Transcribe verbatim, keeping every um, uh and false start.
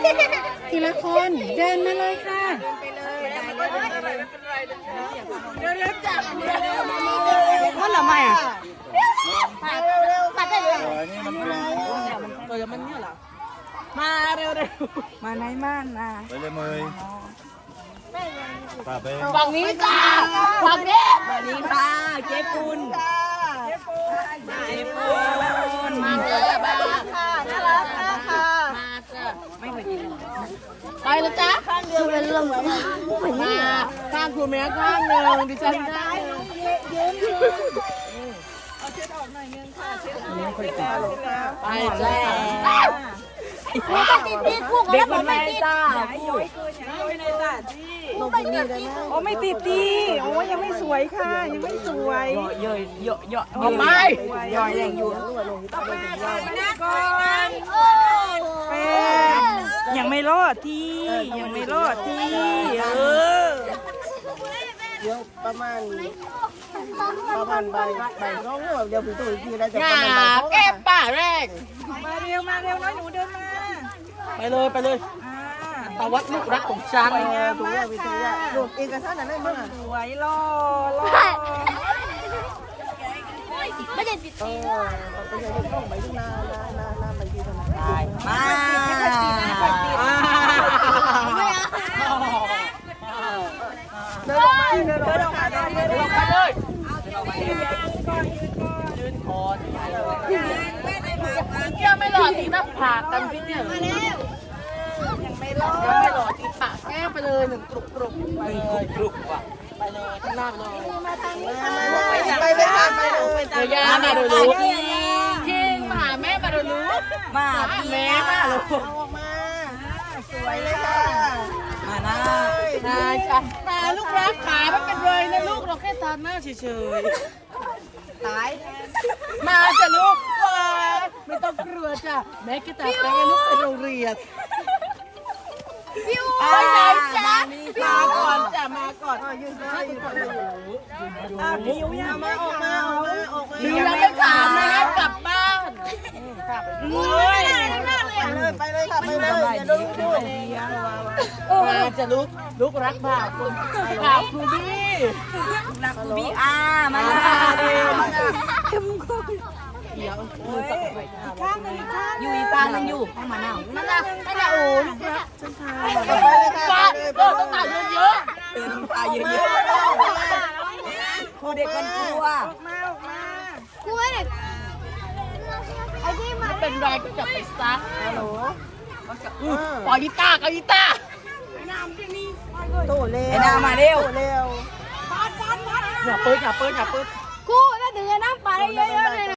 ทีละคนเดินมาเลยค่ะเพราะอะไรไม่อ่ะปัดได้เลยนี่มันเป็นเออมันเนี่ยเหรอมาเร็วเร็วมาไหนมานะไปเลยเมยป่าไปฝั่งนี้จ้าฝั่งนี้ฝั่งนี้ค่ะเจ๊ปุนเจ๊ปุนมาเจอบ้าค่ะน่ารักมากค่ะมาเจอไม่เคยกินไปแล้วจ้าข้างเดียวเป็นลมมาข้างคุณแม่ข้างหนึ่งดิฉันได้ไปแล้วเด็กมันไม่จ้าโอ้ไม่ติดดีโอ้ยังไม่สวยค่ะยังไม่สวยเยอะเยอะเยอะเอาไปย่อยแรงอยู่เป็นยังไม่รอดที่ยังไม่รอดที่เออเดี๋ยวประมาณประมาณใบใบร้องเดี๋ยวพี่ตุ้ยพี่ได้จะงาประมาณใบแก้ป่าแรงมาเร็วมาเร็วน้อยหนูเดินมาไปเลยไปเลยตาวัดลูกรักของฉันถูกแล้วพี่ตุ้ยรูปเอกสารอะไรบ้างอ่ะสวยรอรอไม่ได้ติดเออไปใช้ต้องใบที่นานานานาใบที่ทำไมมาเดินออกมาเดินออกมาเดินออกมาเลยยืนคอเกี่ยวไม่หล่อตีหน้าผากกันพี่เนี่ยยังไม่หล่อยังไม่หล่อตีปากแก้ไปเลยหนึ่งกรุบกรุบไปเลยกรุบว่ะไปเลยข้างหน้าเลยไปเลยค่ะไปเลยเดี๋ยวยามาดูลูกคิงมาหาแม่มาดูลูกมาแม่มาลูกเอาออกมาสวยเลยค่ะมาหน้าหน้าจ้ะมาลูกรักขาไม่เป็นไรนะลูกเราแค่ตาหน้าเฉยๆตายมาจ้ะลูกไม่ต้องกลัวจ้ะแม่ก็ตาแป้งลูกไปโรงเรียนไปไหนจ๊ะมาก่อนจ้ะมาก่อนยืนก่อนยืนก่อนบิวยังมาออกมาออกมาออกมาบิวยังไม่ถามนะกลับบ้านเฮ้ยไปเลยค่ะไปเลยอย่าดูดูมาจะลุกลุกรักบ่าวคุณบ่าวครูบี้รักครูบี้อ่ามาเร็วเดี๋ยวมือสักหน่อยข้างนึงอยู่อีกตาหนึ่งอยู่ให้มาหน้านั่นน่ะนั่นน่ะโอ้ลูกรักฉันทายไปเลยค่ะป้าไปเลยเออต้องตาเยอะๆเป็นตาเยอะๆครูเด็กกันกลัวกล้วยเนี่ยไอ้ที่มันไม่เป็นไรก็จับไปซักฮัลโหลปล่อยกีตาร์กับกีตาร์โตเร็วไอ้นามาเร็วโตเร็วอย่าเปิดอย่าเปิดอย่าเปิดกูน่าถึงจะนั่งปลาได้เยอะๆเลย